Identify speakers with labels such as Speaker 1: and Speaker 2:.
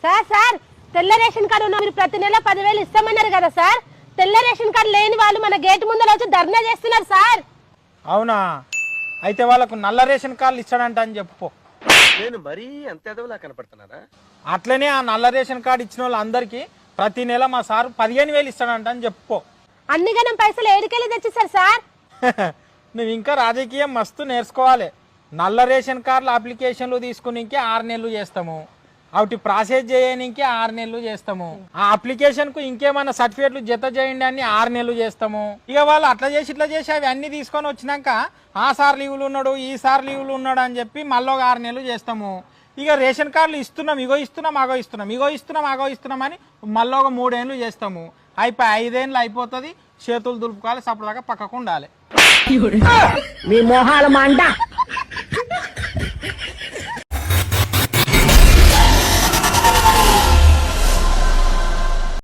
Speaker 1: Sir sir తెల్ల ration card ఉన్న మీరు ప్రతి నెల 10,000 ఇస్తామన్నారు కదా సార్. తెల్ల రేషన్ కార్డు లేని వాళ్ళు మన గేట్ ముందర వచ్చి ధర్నా చేస్తున్నారు సార్.
Speaker 2: అవునా? అయితే వాళ్ళకు నల్ల రేషన్ కార్డులు ఇస్తాడంట అని చెప్పు.
Speaker 3: నేను మరీ అంత ఎదవలా కనపడుతున్నారా?
Speaker 2: అట్లనే ఆ నల్ల రేషన్ కార్డు ఇచ్చిన వాళ్ళందరికీ ప్రతి నెల మా సారు 15,000 ఇస్తాడంట అని చెప్పు.
Speaker 1: అన్ని గణం పైసలు ఏడికెళ్ళి తెచ్చిస్తారు సార్.
Speaker 2: నువ్వు ఇంకా రాజకీయం మస్తు నేర్చుకోవాలి. నల్ల రేషన్ కార్డుల అప్లికేషన్లు తీసుకునికే 6 నెలలు చేస్తాము, అవి ప్రాసెస్ చేయడానికి 6 నెలలు చేస్తాము, ఆ అప్లికేషన్కు ఇంకేమైనా సర్టిఫికేట్లు జత చేయండి అని 6 నెలలు చేస్తాము. ఇక వాళ్ళు అట్లా చేసి ఇట్లా చేసి అవి అన్ని తీసుకొని వచ్చినాక ఆ సార్ లీవులు ఉన్నాడు ఈ సార్ లీవులు ఉన్నాడు అని చెప్పి మళ్ళీ 6 నెలలు చేస్తాము. ఇక రేషన్ కార్డులు ఇస్తున్నాం, ఇగో ఇస్తున్నాం అగో ఇస్తున్నాం, ఇగో ఇస్తున్నాం అగో ఇస్తున్నాం అని మళ్ళీ 3 ఏళ్ళు చేస్తాము. అయిపోయి 5 ఏళ్ళు అయిపోతుంది. చేతులు దులుపుకోవాలి, సపరేట్గా పక్కకు ఉండాలి.
Speaker 4: మీ మొహాల మంట